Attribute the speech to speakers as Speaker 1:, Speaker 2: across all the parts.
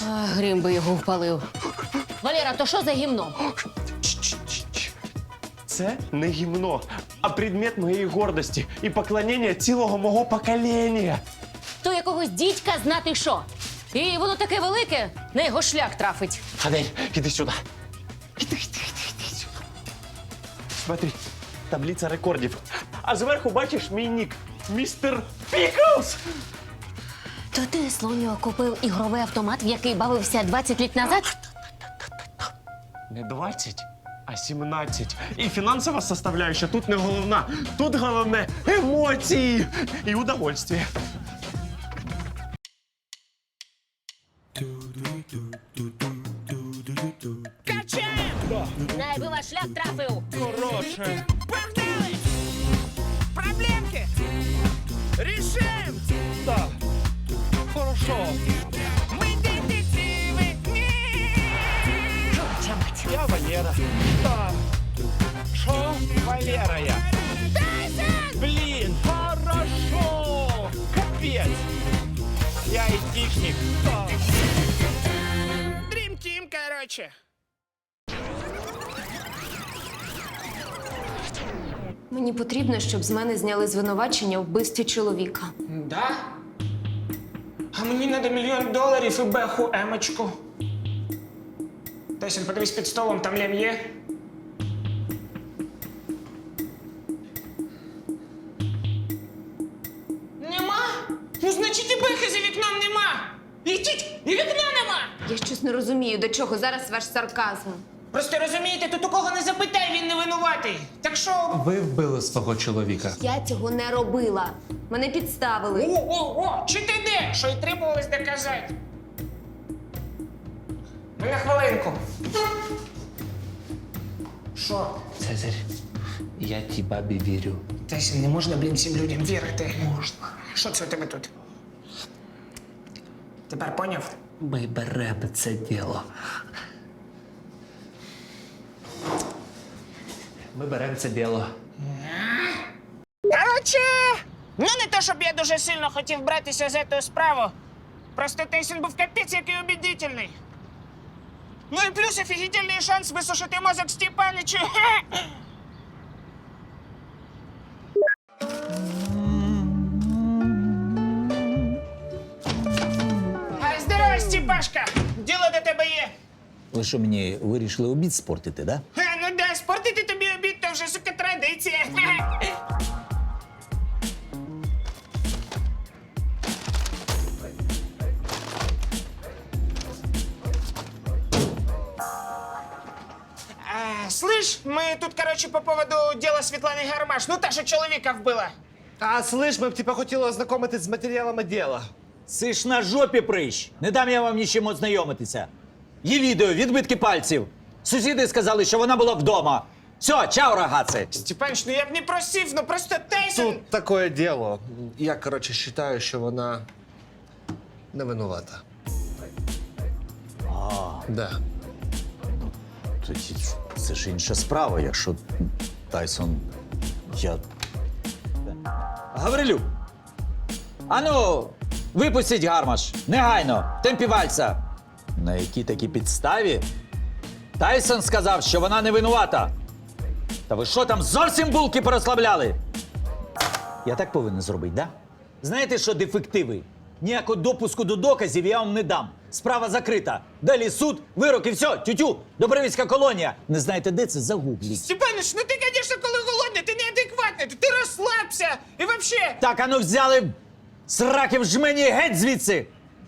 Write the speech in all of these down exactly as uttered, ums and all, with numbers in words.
Speaker 1: А, грім би його впалив. Валера, то що за гімно?
Speaker 2: Це не гімно, а предмет моєї гордості і поклонення цілого мого покоління.
Speaker 1: То якогось дідька знати що. І воно таке велике, на його шлях трафить.
Speaker 2: Адель, іди сюди. Іди, іди, іди, іди сюди. Смотри, таблиця рекордів. А зверху бачиш мій нік. Містер Піклс.
Speaker 1: То ти, Слоньо, купив ігровий автомат, в який бавився двадцять літ назад?
Speaker 2: Не двадцять, а сімнадцять. І фінансова составляюща тут не головна. Тут головне емоції і удовольствие.
Speaker 1: Най би ваш шлях трафив.
Speaker 2: Хороше.
Speaker 3: Погнали! Проблемки! Решим!
Speaker 2: Так. Хорошо.
Speaker 3: Мы детективы!
Speaker 1: Жовча мать.
Speaker 2: Я Валера. Так. Шо? Валера я. Блін, хорошо. Капець. Я айтишник. Так.
Speaker 3: Дрим Тим, короче.
Speaker 4: Мені потрібно, щоб з мене зняли звинувачення у вбивстві чоловіка.
Speaker 3: Да? А мені надо мільйон доларів і беху емочку. Тесін, подивись під столом, там лям є. Нема? Ну, значить, і бехи за вікном нема. Ідіть, і вікна нема.
Speaker 4: Я щось не розумію, до чого зараз ваш сарказм.
Speaker 3: Просто розумієте, тут у кого не запитай, він не винуватий. Так що...
Speaker 5: Ви вбили свого чоловіка.
Speaker 4: Я цього не робила. Мене підставили.
Speaker 3: О, о, о, чи ти де? Що й требувалось доказати. Ну, на хвилинку. Що?
Speaker 5: Цезарь, я тій бабі вірю.
Speaker 3: Тесін, не можна, блін, всім людям вірити. Можна. Що це у тебе тут? Тепер поняв?
Speaker 5: Ми беремо це діло. Ми беремо це діло.
Speaker 3: Короче, ну не то, щоб я дуже сильно хотів братися за цю справу. Просто Тейсон був капець який убедительний. Ну і плюс офігітельний шанс висушити мозок Степаничу. А, здорово, Степашка! Діло до тебе є.
Speaker 6: Ви що, мені вирішили обід спортити, да?
Speaker 3: Е, ну да, спортити тобі обід, то вже, сука, традиція. А, слышь, мы тут, короче, по поводу дела Світлани Гармаш. Ну, та, що чоловіка вбила.
Speaker 2: А, слышь, ми б тебе хотіли ознакомитись з матеріалами діла.
Speaker 6: Це ж на жопі прищ. Не дам я вам нічим ознайомитися. Є відео, відбитки пальців. Сусіди сказали, що вона була вдома. Все, чао, рагаци.
Speaker 3: Степаныч, ну я б не просив, ну просто Тейсон...
Speaker 7: Тут такое діло. Я, коротше, вважаю, що вона не винувата.
Speaker 6: А,
Speaker 7: Да.
Speaker 6: тоді це ж інша справа, якщо Тайсон... Я... Гаврилюк! Ану, випустіть Гармаш. Негайно. В темпі вальса. На якій такій підставі? Тайсон сказав, що вона не винувата. Та ви що там, зовсім булки порозслабляли? Я так повинен зробити, да? Знаєте що, дефективи? Ніякого допуску до доказів я вам не дам. Справа закрита. Далі суд, вирок і все, тютю, Добровільська колонія. Не знаєте, де це? Загугліть.
Speaker 3: Степаныч, ну ти, конечно, коли голодний, ти неадекватний, ти розслабся. І вообще...
Speaker 6: Так, ану взяли сраки в жмені геть звідси.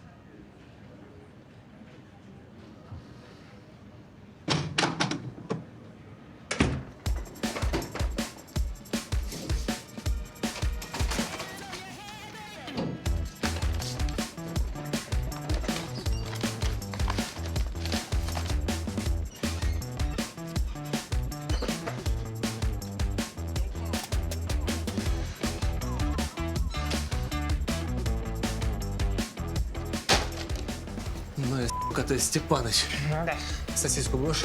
Speaker 7: Ну и сука ты, Степаныч.
Speaker 3: Ну да.
Speaker 7: Сосиску будешь?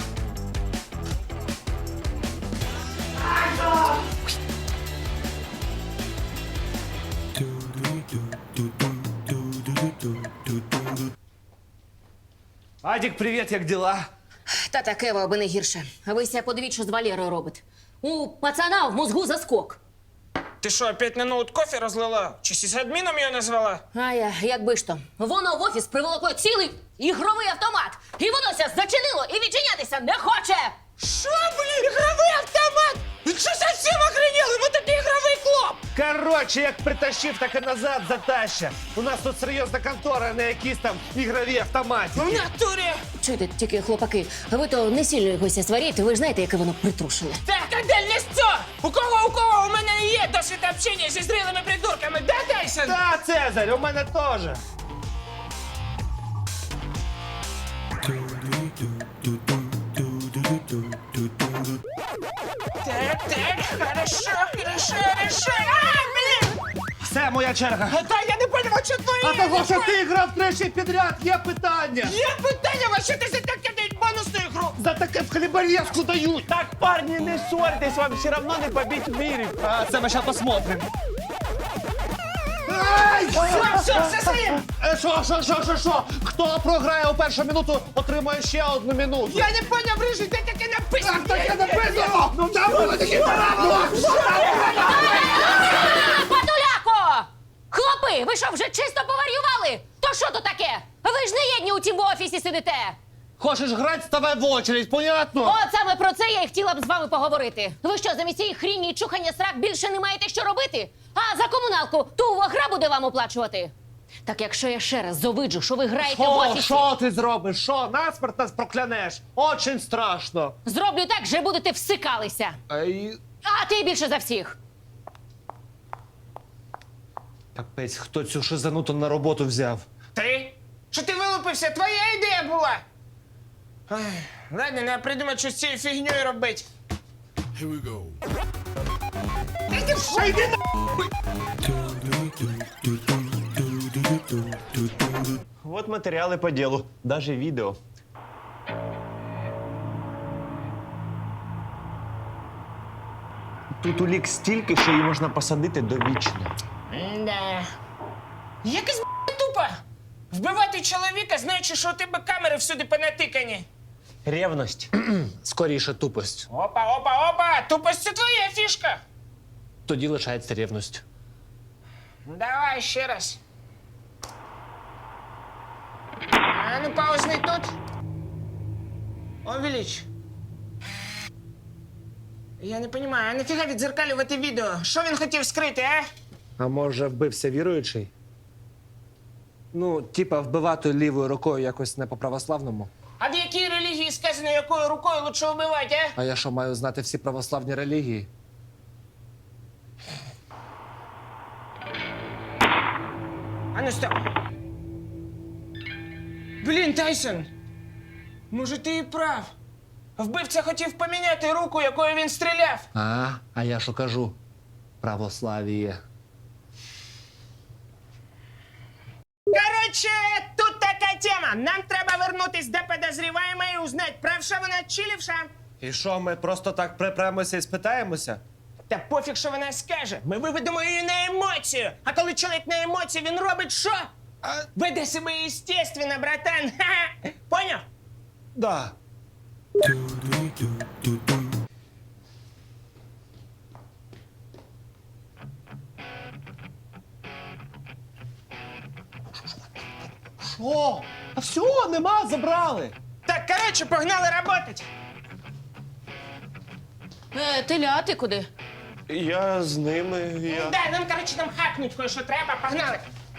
Speaker 5: Адік, привіт, як діла?
Speaker 1: Та таке, аби не гірше. А ви ся подивіть, що з Валерою робить. У пацана в мозгу заскок.
Speaker 3: Ти що, опять на ноут кофе розлила? Чи сисадміном його назвала?
Speaker 1: А я, якби ж то. Воно в офіс приволокло цілий ігровий автомат. І воно ся зачинило і відчинятися не хоче.
Speaker 3: Що, блін, ігровий автомат? Він що, зовсім охренели? Ми такий ігровий клуб!
Speaker 2: Коротше, як притащив, так і назад затаща. У нас тут серйозна контора, а не якісь там ігрові автомати.
Speaker 3: В натурі!
Speaker 1: Чуєте, тільки хлопаки, ви то не сильно йогося сваріть, ви ж знаєте, яке воно притрушене.
Speaker 3: Так, а де лісцо? У кого, у кого у мене є досвід общення зі зрілими придурками, да, Тайсон?
Speaker 2: Та, Цезарь, у мене теж.
Speaker 3: Так, так, хорошо, хорошо, хорошо. А, блін!
Speaker 2: Все, моя черга.
Speaker 3: А та я не поняла, що твої...
Speaker 2: А того, що ти грав тричі підряд, є питання.
Speaker 3: Є питання, а що ти за таке дають бонусну ігру?
Speaker 2: За таке в хліборезку дають. Так, парні, не ссорьтесь, вам все равно не побить в мірі. А це ми ще посмотрим. Ай!
Speaker 3: Все, все, все своїм!
Speaker 2: Е, Що, що, що, що, що? Хто програє у першу минуту, отримає ще одну минуту.
Speaker 3: Я не поняв, Рижий, де таке написано?
Speaker 2: Так таке написано! Ну там було такі правила!
Speaker 1: Патуляко! Хлопи, ви що, вже чисто поварювали? То що то таке? Ви ж не єдні у тім офісі сидите.
Speaker 2: Хочеш грати, ставай в очередь, понятно?
Speaker 1: От саме про це я і хотіла б з вами поговорити. Ви що, замість цієї хріні і чухання срак більше не маєте що робити? А за комуналку ту гра буде вам оплачувати? Так якщо я ще раз зовиджу, що ви граєте в
Speaker 2: Що,
Speaker 1: офісі,
Speaker 2: що ти зробиш? Що, насмерть нас проклянеш? Очень страшно.
Speaker 1: зроблю так, що будете всикалися.
Speaker 2: Ай,
Speaker 1: А ти більше за всіх.
Speaker 2: капець, хто цю шизануту на роботу взяв?
Speaker 3: Ти? Що ти вилупився? Твоя ідея була. Ай, ладно, треба придумати, що з цією фігньою робити.
Speaker 2: Вот матеріали по ділу, даже відео. Тут улік стільки, що її можна посадити довічно.
Speaker 3: Да. Якось б**, тупо. Вбивати чоловіка, знаючи, що у тебе камери всюди понатикані.
Speaker 2: Ревність.
Speaker 5: Скоріше тупость.
Speaker 3: Опа, опа, опа! Тупость це твоя фішка.
Speaker 5: Тоді лишається рівність.
Speaker 3: Давай ще раз. А ну паузний тут. Увеличь. Я не розумію, а нафіга відзеркалювати відео? Що він хотів скрити, а?
Speaker 7: А може, вбився віруючий? Ну, типа, вбивати лівою рукою якось не по-православному.
Speaker 3: А в якій релігії сказано, якою рукою лучше вбивати, а?
Speaker 7: А я що, маю знати всі православні релігії?
Speaker 3: А ну стоп. Блін, Тайсон. Може, ти і прав. Вбивця хотів поміняти руку, якою він стріляв.
Speaker 7: А, а я що кажу? Православіє.
Speaker 3: Короче, тут така тема. Нам треба вернутись до подозреваемой і узнать, правша вона чи лівша.
Speaker 2: І що, ми просто так припремося і спитаємося?
Speaker 3: Та пофіг, що вона скаже. Ми виведемо її на емоцію. А коли чоловік на емоції, він робить що? Веде себе естественно, братан. Ха-ха. Поняв?
Speaker 2: Да. Що? А все, нема, забрали.
Speaker 3: Так, короче, погнали работать.
Speaker 1: Е, Теля, а ти куди?
Speaker 2: Я з ними, я...
Speaker 3: Да, нам, короче, там хакнуть кое-що треба. Погнали.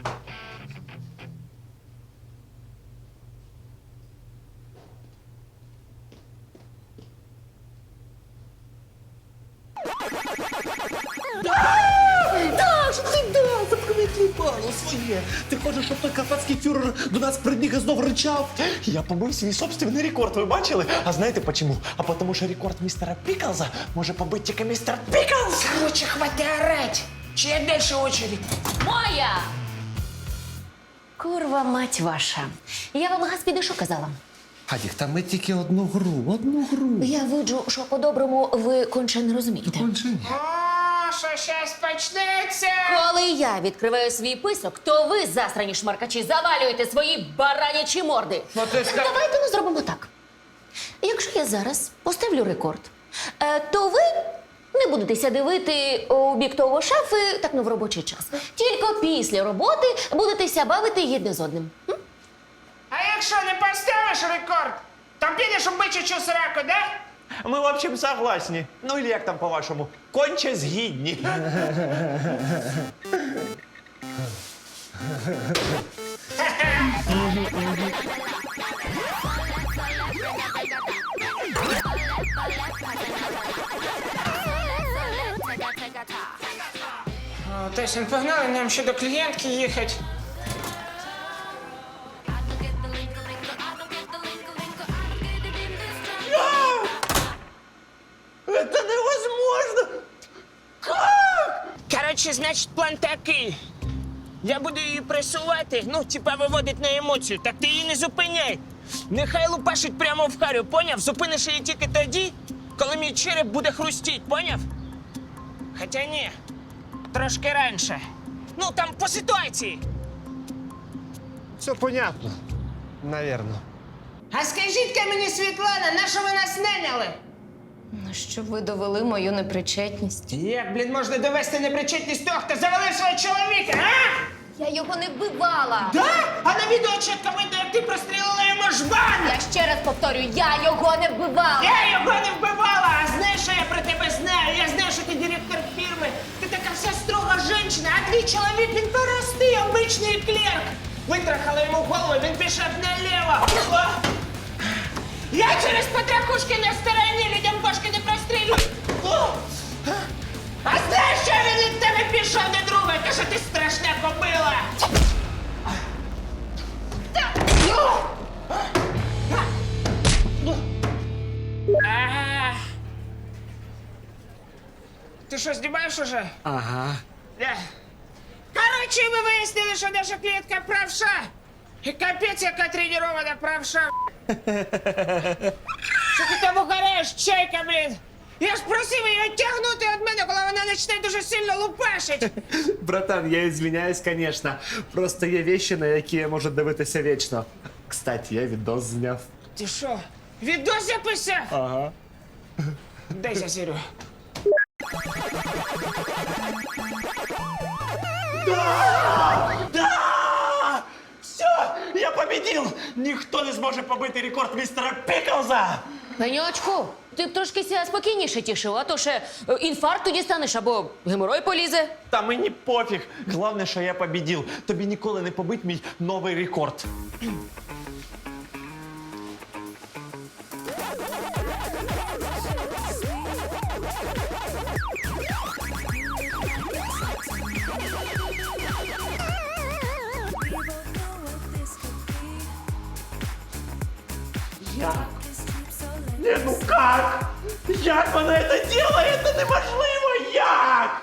Speaker 2: Да, що ти да, заткни кліпало своє. Ти хочеш, щоб той карпатський фюрер до нас прибіг і знов ричав? Я побив свій собственний рекорд, ви бачили? А знаєте почему? А потому що рекорд містера Піклза може побити тільки містер Піклз.
Speaker 3: Короче, хватит орать. Чья дальше очередь?
Speaker 1: Моя! Курва мать ваша. Я вам Гаспіди що казала?
Speaker 7: Адік, та ми тільки одну гру, одну гру.
Speaker 1: Я виджу, що по-доброму ви конче не розумієте.
Speaker 3: О, що щас почнеться.
Speaker 1: Коли я відкриваю свій писок, то ви, засрані шмаркачі, завалюєте свої баранячі морди.
Speaker 5: Ну, ти ска...
Speaker 1: Давайте ми зробимо так. Якщо я зараз поставлю рекорд, е, то ви не будетеся дивити у бік того шафи так, ну, в робочий час. Тільки після роботи будетеся бавити єдне з одним. М?
Speaker 3: А якщо не поставиш рекорд, то підеш у бичачу сраку, да?
Speaker 2: Ми, в общем, согласні. Ну, или як там по-вашому? Конче згідні.
Speaker 3: О, Тесін, погнали, нам ще до клієнтки їхати.
Speaker 2: Це невозможно!
Speaker 3: Коротше, значить, план такий. Я буду її пресувати, ну, типа виводить на емоцію, так ти її не зупиняй. Нехай лупашить прямо в харю, поняв? Зупиниш її тільки тоді, коли мій череп буде хрустіть, поняв? Хоча ні, трошки раніше. Ну, там по ситуації.
Speaker 7: Все понятно. Навірно.
Speaker 3: А скажіть-ка мені, Світлана, на що ви нас наняли?
Speaker 4: Ну, щоб ви довели мою непричетність.
Speaker 3: Як, блін, можна довести непричетність того, хто завалив свого чоловіка, а?
Speaker 4: Я його не вбивала!
Speaker 3: Да? А на відео чітко видно, як ти прострілила йому жбан!
Speaker 4: Я ще раз повторюю, я його не вбивала!
Speaker 3: Я його не вбивала! А знаєш, що я про тебе знаю? Я знаю, що ти директор фірми. Ти така вся строга жінка, а твій чоловік, він простий, обичний клерк. Витрахала йому голову, він пішов наліво. О! Я через потрахушки на стороні людям башки не прострілю. О! А знаєш, що він від тебе пішов до друга? Каже, ти страшна кобила. Ага. Ти що, знімаєш уже?
Speaker 7: Ага.
Speaker 3: Да. Короче, ми вияснили, що наша клієнтка правша. І капець, яка тренірована правша. Що ти там угораєш, чайка, блін? Я ж просив її відтягнути від мене, коли вона почне дуже сильно лупашить.
Speaker 7: Братан, я извиняюсь, конечно. Просто є вещи, на які я можу дивитися вічно. Кстати, я відос зняв.
Speaker 3: Ти що, відос записав?
Speaker 7: Ага.
Speaker 3: Дай засірю.
Speaker 2: Да! Все, я победил! Ніхто не зможе побити рекорд містера Піклза!
Speaker 1: Пеньочку, ти б трошки ся спокійніше тішив, а то ще е, інфаркту дістанеш або геморой полізе.
Speaker 2: Та мені пофіг. Головне, що я победил. Тобі ніколи не побить мій новий рекорд. Як? Не, ну как? Як вона це делает? Це неможливо! Як?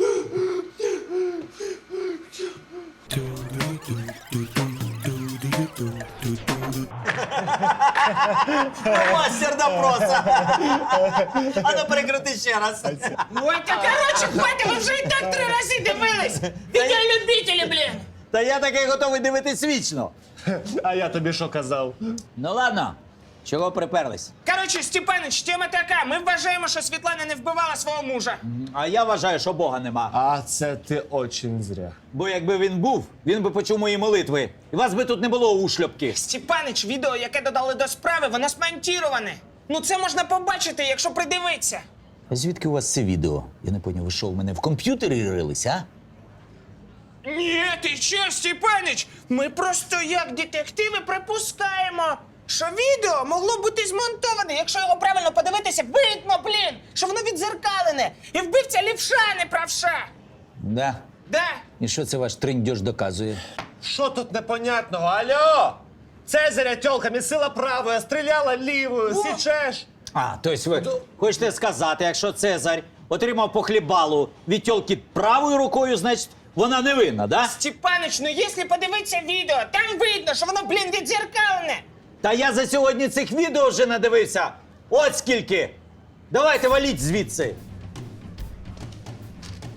Speaker 6: Мастер допроса! А ну перекрути ще раз.
Speaker 3: Ой, та короче, хватить, ви вже і так три рази дивились. Відеолюбителі, блін.
Speaker 6: Та я таки готовий дивитись вічно.
Speaker 7: А я тобі що казав?
Speaker 6: Ну ладно, чого приперлись?
Speaker 3: Короче, Степанич, тема така. Ми вважаємо, що Світлана не вбивала свого мужа.
Speaker 6: А я вважаю, що Бога нема.
Speaker 7: А це ти очень зря.
Speaker 6: Бо якби він був, він би почув мої молитви. І вас би тут не було ушльопки.
Speaker 3: Степанич, відео, яке додали до справи, воно смонтіроване. Ну це можна побачити, якщо придивитися.
Speaker 6: А звідки у вас це відео? Я не поняв, ви що, в мене в комп'ютері рились, а?
Speaker 3: Ні, ти що, Степанич? Ми просто як детективи припускаємо, що відео могло бути змонтоване. Якщо його правильно подивитися, видно, блін, що воно відзеркалене. І вбивця лівша, а не правша.
Speaker 6: Да.
Speaker 3: Да.
Speaker 6: І що це ваш триндьош доказує?
Speaker 7: Що тут непонятного? Алло! Цезаря тёлка місила правою, а стріляла лівою, січеш?
Speaker 6: А, тобто ви хочете сказати, якщо Цезарь отримав по хлібалу від тьолки правою рукою, значить вона невинна, да?
Speaker 3: Степанич, ну якщо подивитися відео, там видно, що воно, блін, відзеркалене.
Speaker 6: Та я за сьогодні цих відео вже надивився. От скільки. Давайте валіть звідси.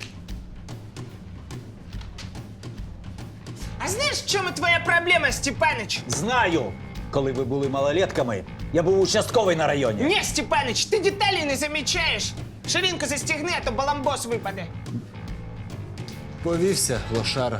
Speaker 3: в чому твоя проблема, Степанич?
Speaker 6: Знаю. Коли ви були малолетками, я був участковий на районі.
Speaker 3: Ні, Степанич, ти деталі не замічаєш. Ширинку застігни, а то баламбос випаде.
Speaker 5: Повівся, лошара.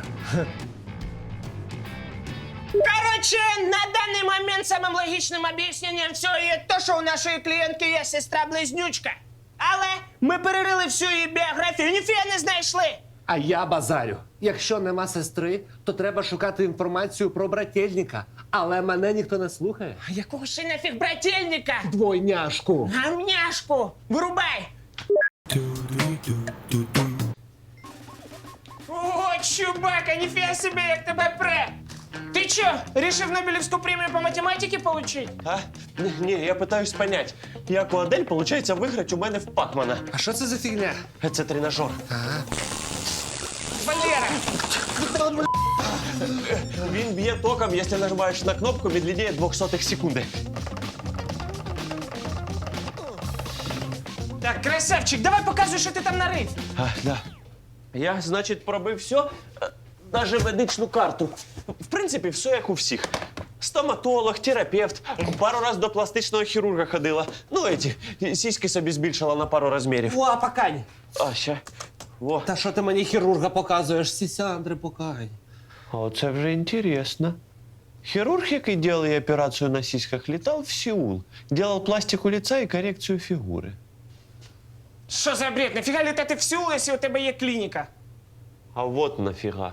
Speaker 3: Короче, на даний момент самим логічним об'ясненням всього є те, що у нашої клієнтки є сестра-близнючка. Але ми перерили всю її біографію, ніфіга не знайшли.
Speaker 7: А я базарю. Якщо нема сестри, то треба шукати інформацію про брательника. Але мене ніхто не слухає.
Speaker 3: Якого ще нафіг брательника?
Speaker 7: Двойняшку.
Speaker 3: Гамняшку! Вирубай! О, чубака, ніфіга собі, як тебе пре! Ти чо, рішив Нобелівську премію по математиці получить?
Speaker 2: А? Ні, я питаюсь понять, як у Адель виходить виграти у мене в Пакмана.
Speaker 7: А що це за фігня?
Speaker 2: Це тренажер.
Speaker 3: Валера!
Speaker 2: Він б'є током, якщо нажимаєш на кнопку від лінії двохсотих секунди.
Speaker 3: Так, красавчик, давай показуй, що ти там нарив.
Speaker 2: А, да. Я, значить, пробив все, навіть медичну карту. В принципі, все як у всіх. Стоматолог, терапевт, пару раз до пластичного хірурга ходила. Ну, эти, сіськи собі збільшила на пару розмірів.
Speaker 7: О, покань.
Speaker 2: А, ще. Во.
Speaker 7: Та що ти мені хірурга показуєш? Сісяндри, покань.
Speaker 2: О, це вже інтересно. Хірург, який робив операцію на сіськах, літав в Сеул. Делал пластику лица і корекцію фігури.
Speaker 3: Що за бред? Нафіга літати в Сеул, якщо у тебе є клініка?
Speaker 2: А вот нафіга.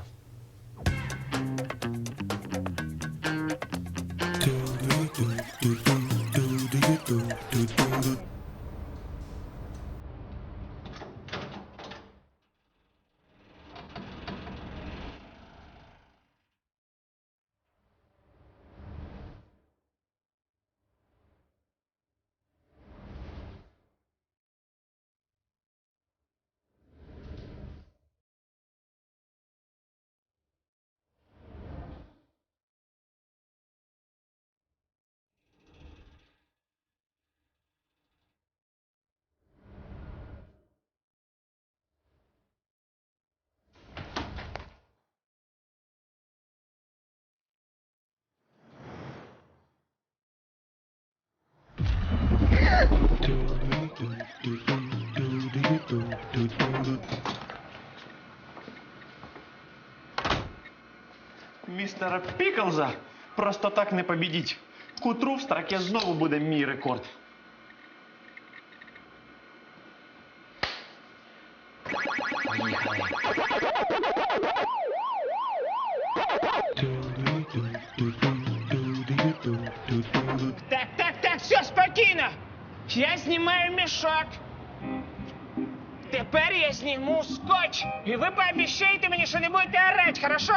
Speaker 2: Містера Піклза просто так не побідіть. К утру в строке знову буде мій рекорд.
Speaker 3: Так, так, так, все, спокійно. Я знімаю мішок. Тепер я зніму скотч. І ви пообіцяєте мені, що не будете орати, хорошо?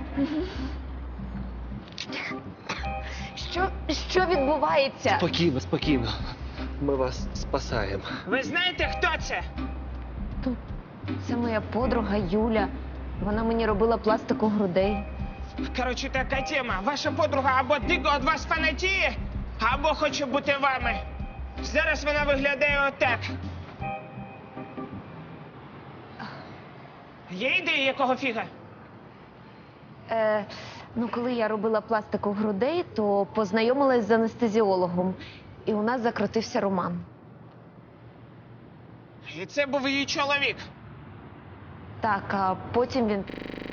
Speaker 4: Що, що відбувається?
Speaker 7: Спокійно, спокійно. Ми вас спасаємо.
Speaker 3: Ви знаєте, хто це?
Speaker 4: Це моя подруга Юля. Вона мені робила пластику грудей.
Speaker 3: Коротше, така тема. Ваша подруга або дико від вас фанатіє, або хоче бути вами. Зараз вона виглядає отак. Є ідеї, якого фіга?
Speaker 4: Е, ну, коли я робила пластику грудей, то познайомилась з анестезіологом. І у нас закрутився роман.
Speaker 3: І це був її чоловік.
Speaker 4: Так, а потім він.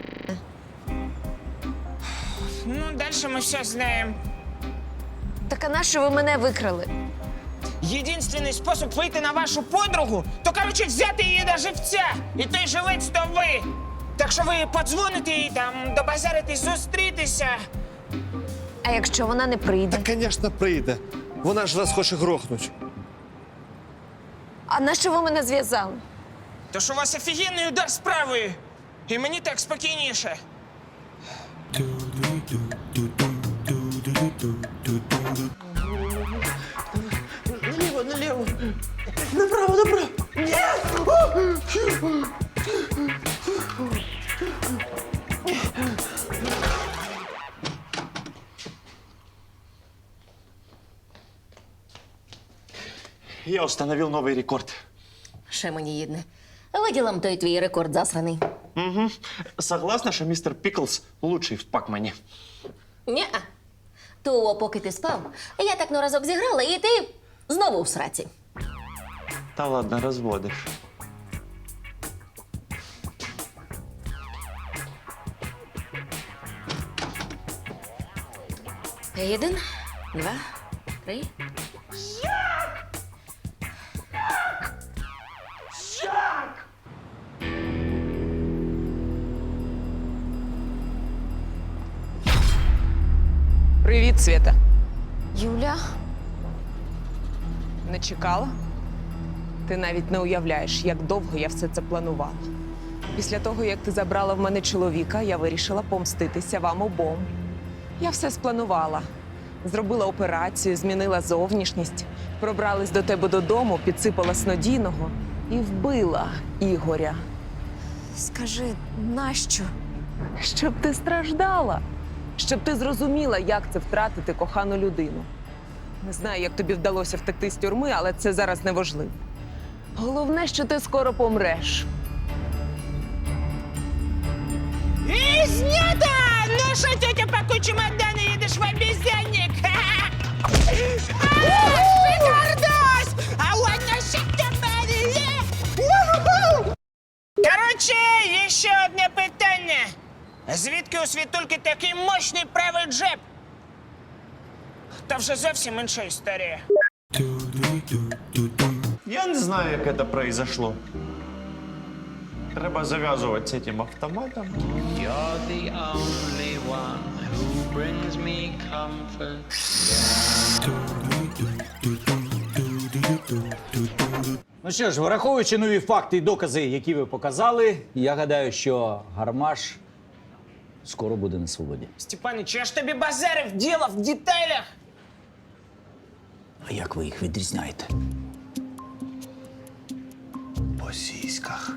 Speaker 3: Ну, далі ми все знаємо.
Speaker 4: Так а нащо ви мене викрали?
Speaker 3: Єдинственний спосіб вийти на вашу подругу, то, коротше, взяти її до живця. І той живець то ви. Так що ви подзвоните їй там, добазаритесь, зустрітися.
Speaker 4: А якщо вона не прийде?
Speaker 7: Та, звісно, прийде. Вона ж вас хоче грохнуть.
Speaker 4: А нащо ви мене зв'язали?
Speaker 3: То що у вас офігенний удар справою. І мені так спокійніше.
Speaker 2: Наліво, наліво. Направо, направо. Я установил новый рекорд.
Speaker 1: Ще мені їдне. Виділам той твій рекорд засраний.
Speaker 2: Угу. Согласна, що містер Піклс лучший в Пакмані.
Speaker 1: Ні-а. То, поки ти спав, я так на разок зіграла, і ти знову в сраці.
Speaker 2: Та ладно, розводиш.
Speaker 1: Один, два, три.
Speaker 8: Привіт, Свята.
Speaker 4: Юля,
Speaker 8: Не чекала? Ти навіть не уявляєш, як довго я все це планувала. Після того, як ти забрала в мене чоловіка, я вирішила помститися вам обом. Я все спланувала. Зробила операцію, змінила зовнішність, пробралась до тебе додому, підсипала снодійного і вбила Ігоря.
Speaker 4: скажи, нащо?
Speaker 8: Щоб ти страждала, щоб ти зрозуміла, як це втратити кохану людину. Не знаю, як тобі вдалося втекти з тюрми, але це зараз не важливо. Головне, що ти скоро помреш.
Speaker 3: И снято! Ну что, тетя, пакуй чемоданы, едешь в обезьянник! Шикардос! А вот насчет тебя! Короче, еще одне питання. Звідки у Світульки такий мощний правий джеб? Та вже зовсім інша історія.
Speaker 2: Я не знаю, як це произошло. Треба зав'язувати з цим автоматом.
Speaker 9: You're the only one who brings me comfort.
Speaker 6: Ну що ж, враховуючи нові факти і докази, які ви показали, я гадаю, що Гармаш скоро буде на свободі.
Speaker 3: Степаныч, я ж тобі базарив, діло в деталях.
Speaker 6: А як ви їх відрізняєте?
Speaker 2: По сіськах.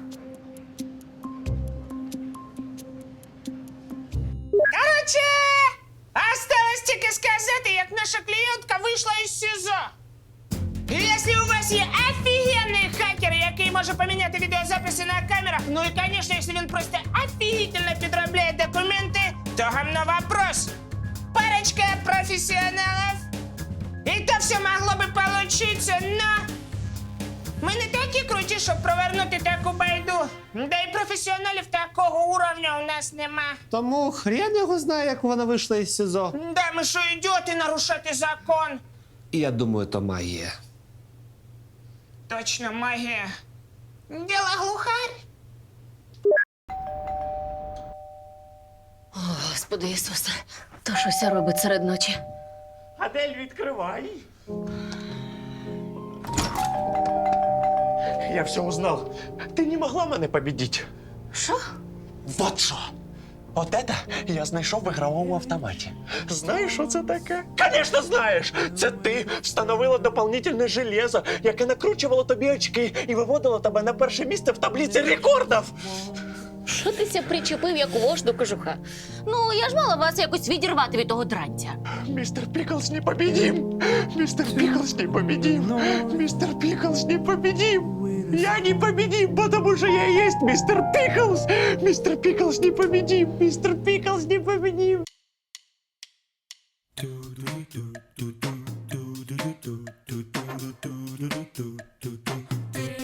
Speaker 3: Короче, осталось тільки сказати, як наша клієнтка вийшла із СІЗО. І якщо у вас є офігенний хакер, який може поміняти відеозаписи на камерах, ну і, звісно, якщо він просто офігительно підробляє документи, то гамно вопрос. Парочка професіоналів, і то все могло би получиться, но ми не такі круті, щоб провернути таку байду. Да і професіоналів такого уровня у нас нема.
Speaker 7: Тому хрен його знає, як вона вийшла із СІЗО.
Speaker 3: Да, ми що, ідіоти нарушати закон?
Speaker 7: І я думаю, то магія.
Speaker 3: Точно, магія. Діло глухарь.
Speaker 1: О, Господи Ісусе, то щось робить серед ночі.
Speaker 2: Адель, відкривай. Я все узнал. Ти не могла мене победить.
Speaker 1: Що?
Speaker 2: Вот що. От это я знайшов в ігровому автоматі. Знаєш, що це таке? Звісно, знаєш! Це ти встановила дополнительне железо, яке накручувало тобі очки і виводило тебе на перше місце в таблиці рекордів.
Speaker 1: Що ти ся причепив, як вож до кожуха? Ну, я ж мала вас якось відірвати від того дрантя.
Speaker 2: Мистер Пиклз непобедим! Мистер Пиклз непобедим! Мистер Пиклз непобедим! Я непобедим, потому что я есть мистер Пиклз! Мистер Пиклз непобедим! Мистер Пиклз непобедим!
Speaker 9: Do